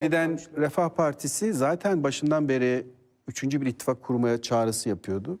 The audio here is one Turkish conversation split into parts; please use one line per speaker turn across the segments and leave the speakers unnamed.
Yeniden Refah Partisi zaten başından beri üçüncü bir ittifak kurmaya çağrısı yapıyordu.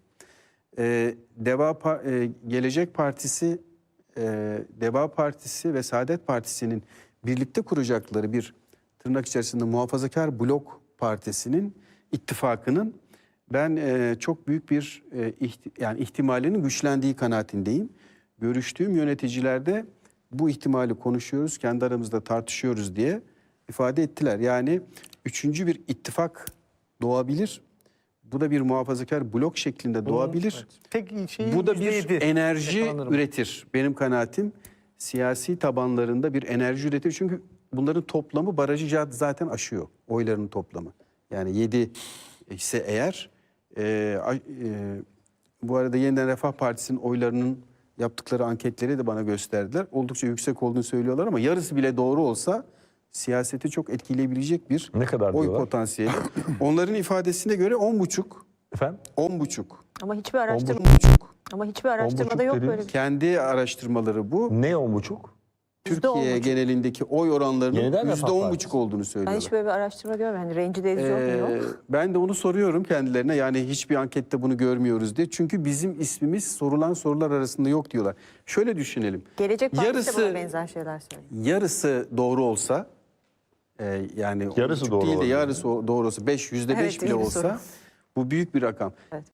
Gelecek Partisi, Deva Partisi ve Saadet Partisi'nin birlikte kuracakları bir tırnak içerisinde muhafazakar blok partisinin ittifakının ben çok büyük bir ihtimalinin güçlendiği kanaatindeyim. Görüştüğüm yöneticilerde bu ihtimali konuşuyoruz, kendi aramızda tartışıyoruz diye ifade ettiler. Yani üçüncü bir ittifak doğabilir. Bu da bir muhafazakar blok şeklinde doğabilir.
Evet. Tek şey
Bu da bir
%7
enerji
yakalanırım.
üretir. Benim kanaatim siyasi tabanlarında bir enerji üretir. Çünkü bunların toplamı barajı zaten aşıyor. Oyların toplamı. Yani 7 ise eğer bu arada Yeniden Refah Partisi'nin oylarının yaptıkları anketleri de bana gösterdiler. Oldukça yüksek olduğunu söylüyorlar ama yarısı bile doğru olsa siyaseti çok etkileyebilecek bir
Ne kadar
oy
diyorlar?
potansiyeli. Onların ifadesine göre 10,5.
Efendim?
10,5.
Ama hiçbir araştırma
10,5.
ama hiçbir araştırmada
10,5
yok
dediğiniz-
böyle bir şey.
Kendi araştırmaları bu.
Ne 10,5?
Türkiye
%10,5.
genelindeki oy oranlarının
Yeniden Refah
%10,5
Partisi.
olduğunu
Ben
söylüyorlar.
hiç böyle bir araştırma görmedim. Yani rencide edici yok.
Ben de onu soruyorum kendilerine. Yani hiçbir ankette bunu görmüyoruz diye. Çünkü bizim ismimiz sorulan sorular arasında yok diyorlar. Şöyle düşünelim.
Gelecek Partisi de
yarısı-
buna benzer şeyler söylüyor.
Yarısı doğru olsa yani
Yarısı
10,5
doğru
değil de
olabilir.
yarısı doğru olsa %5
Evet,
bile
iyi bir
olsa
soru.
bu büyük bir rakam.
Evet.